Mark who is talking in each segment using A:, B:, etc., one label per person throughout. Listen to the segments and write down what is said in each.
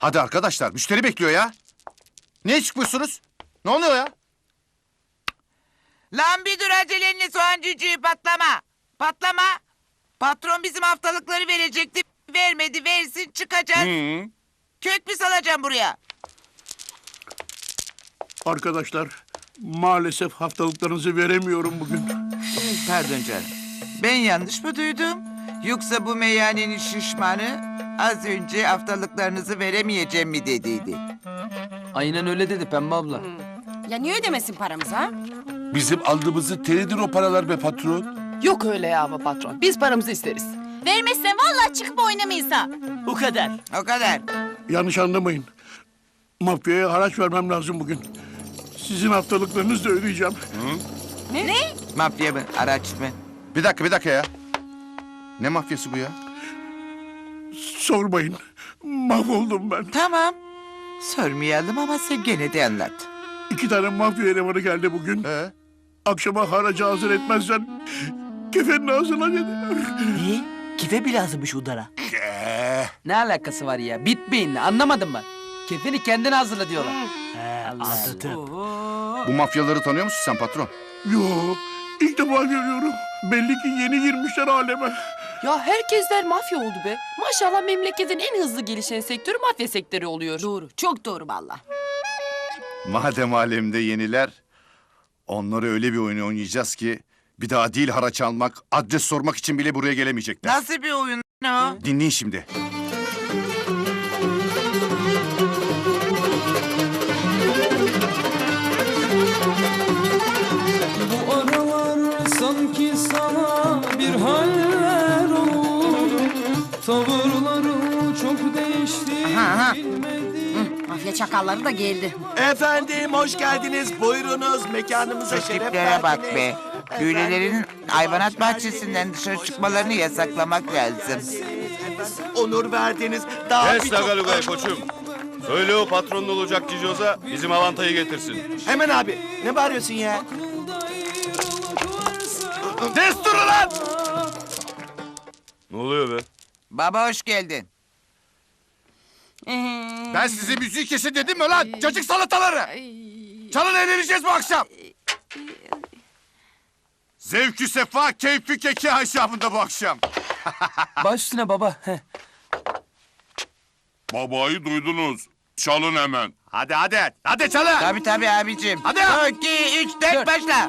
A: Hadi arkadaşlar, müşteri bekliyor ya. Niye çıkmıyorsunuz? Ne oluyor ya?
B: Lan bir dur acelenle soğan cücüğü patlama. Patlama. Patron bizim haftalıkları verecekti. Vermedi, versin, çıkacağız. Kök mü salacağım buraya?
C: Arkadaşlar, maalesef haftalıklarınızı veremiyorum bugün.
B: Pardon canım. Ben yanlış mı duydum? Yoksa bu meyhanenin şişmanı az önce haftalıklarınızı veremeyeceğim mi dediydi?
D: Aynen öyle dedi Pembe abla.
E: Ya niye ödemesin paramızı ha?
F: Bizim aldığımızı teridir o paralar be patron.
G: Yok öyle ya ama patron. Biz paramızı isteriz.
E: Vermezsen vallahi çıkıp oynamayız ha.
D: O kadar.
B: O kadar.
C: Yanlış anlamayın. Mafyaya haraç vermem lazım bugün. Sizin haftalıklarınızı da ödeyeceğim.
E: Ne?
B: Mafya mı, araç mı?
A: Bir dakika ya. Ne mafyası bu ya?
C: Sormayın. Mahvoldum ben.
B: Tamam. Sormayalım ama sen gene de anlat.
C: 2 tane mafya elemanı geldi bugün. Akşama haracı hazır etmezsen kefenin ağzına dediler.
D: Ne? Kife bile hazırmış Udar'a. Ne alakası var ya? Bitmeyin, anlamadın mı? Kefeni kendin hazırla diyorlar. Anladım.
A: Bu mafyaları tanıyor musun sen patron?
C: Yo, ilk defa görüyorum. Belli ki yeni girmişler aleme.
G: Ya herkesler mafya oldu be. Maşallah memleketin en hızlı gelişen sektörü mafya sektörü oluyor.
E: Doğru. Çok doğru vallahi.
A: Madem alemde yeniler, onları öyle bir oyun oynayacağız ki bir daha değil haraç almak, adres sormak için bile buraya gelemeyecekler.
B: Nasıl bir oyun o?
A: Dinleyin şimdi.
H: Bu aralar sanki sana bir haller oldu. Tavırların çok değişti.
E: Mafya çakalları da geldi.
D: Efendim hoş geldiniz. Buyurunuz mekanımıza
B: Şu tiplere bak be. Köylülerin hayvanat bahçesinden dışarı çıkmalarını yasaklamak lazım.
D: Onur verdiniz. Daha
I: Kes Tagaluga'yı koçum. Söyle o patronun olacak Cicoz'a bizim avantayı getirsin.
D: Hemen abi. Ne bağırıyorsun ya?
A: Destur lan!
I: Ne oluyor be?
B: Baba hoş geldin.
A: Ben size müziği kesin dedim mi lan? Cacık salataları! Çalın eğleneceğiz bu akşam! Zevkü sefa, keyfi keki haşafında bu akşam.
D: Baş üstüne baba.
F: Babayı duydunuz. Çalın hemen.
A: Hadi çalın!
B: Tabii abicim.
A: Hadi.
B: 2, 3, 4 başla.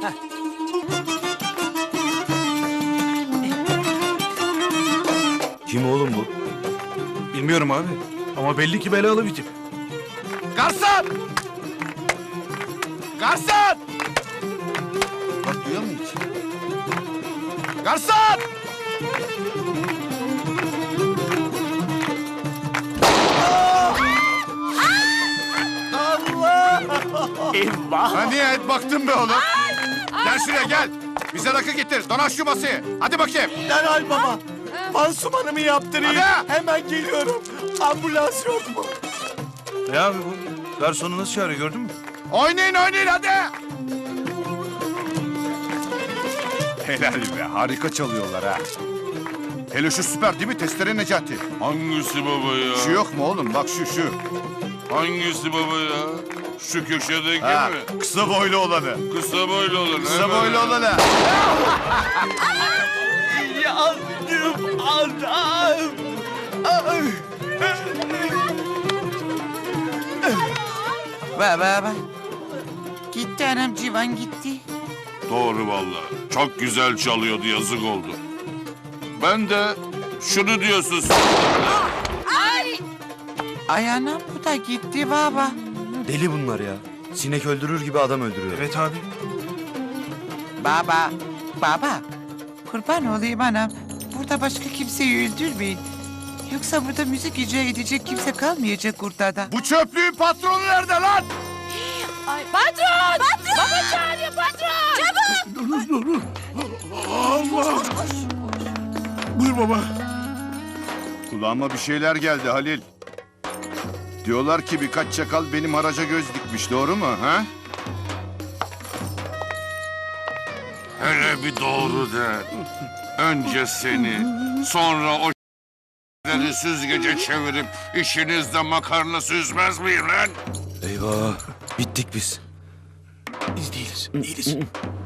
I: Kim oğlum bu?
F: Bilmiyorum abi. Ama belli ki belalı bir tip.
A: Garson! Garson! Bak duyuyor musun hiç? Garson!
D: Eyvah.
A: Ha nihayet baktın be oğlum. Gel şuraya gel. Bize rakı getir. Donaş şu masayı. Hadi bakayım.
D: Derhal baba. Pansumanımı yaptırayım.
A: Hadi.
D: Hemen geliyorum. Ambulans yok mu?
I: Ne abi bu? Garsonu nasıl çağırıyor gördün mü?
A: Oynayın hadi. Helal be harika çalıyorlar ha. Hele şu süper değil mi Testere Necati?
F: Hangisi baba ya?
A: Şu yok mu oğlum bak şu.
F: Hangisi baba ya? Şu köşedeki
A: Ha,
F: mi?
A: kısa boylu olanı.
F: Kısa boylu olan.
A: Kısa boylu olanı.
D: Yandım adam.
B: Baba. Gitti anam civan gitti.
F: Doğru vallahi. Çok güzel çalıyordu yazık oldu. Ben de şunu diyorsun.
B: Ay anam bu da gitti baba.
I: Deli bunlar ya. Sinek öldürür gibi adam öldürüyor. Evet abi.
B: Baba. Kurban olayım anam. Burada başka kimseyi öldürmeyin. Yoksa burada müzik icra edecek kimse kalmayacak ortada.
A: Bu çöplüğün patronu nerede lan?
E: Patron! Baba çağırıyor patron! Çabuk!
C: Dur. Allah! Buyur baba.
A: Kulağıma bir şeyler geldi Halil. Diyorlar ki birkaç çakal benim haraca göz dikmiş doğru mu ha?
F: Hele bir doğru de. Önce seni, sonra o Sizleri süzgece çevirip işinizde makarna süzmez miyim lan?
I: Eyvah. Bittik biz.
C: Değiliz.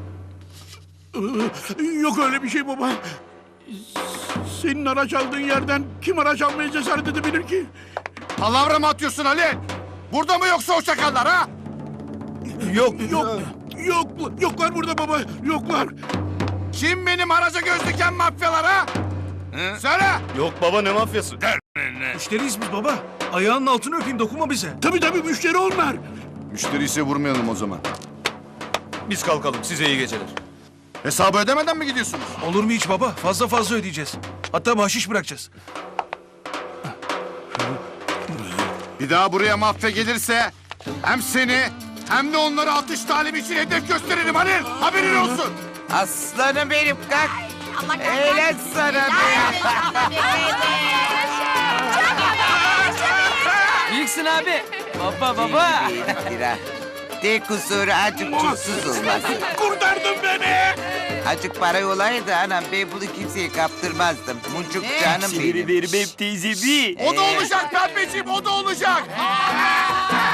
C: Yok öyle bir şey baba. Senin araç aldığın yerden kim araç almaya cesaret edebilir ki?
A: Palavra mı atıyorsun Halil? Burada mı yoksa o çakallar ha?
C: Yoklar burada baba. Yoklar.
A: Kim benim araca göz diken mafyalar ha? Söyle.
I: Yok baba ne mafyası?
C: Müşteriyiz biz baba. Ayağının altını öpeyim dokunma bize. Tabii müşteri onlar.
A: Müşteri ise vurmayalım o zaman.
I: Biz kalkalım size iyi geceler.
A: Hesabı ödemeden mi gidiyorsunuz?
C: Olur mu hiç baba? Fazla ödeyeceğiz. Hatta bahşiş bırakacağız.
A: Bir daha buraya mafya gelirse hem seni hem de onları atış talimi için hedef gösteririm Halil. Haberin olsun.
B: Aslanım benim kalk. Eğlen sana be.
D: Büyüksün abi. Baba.
B: Tek kusuru acık tuzsuz olması.
C: Kurtardın beni.
B: Acık para olaydı anam ben bunu kimseye kaptırmazdım. Muncuk canım benim.
D: teyze bir.
A: O da olacak pembeciğim, o da olacak.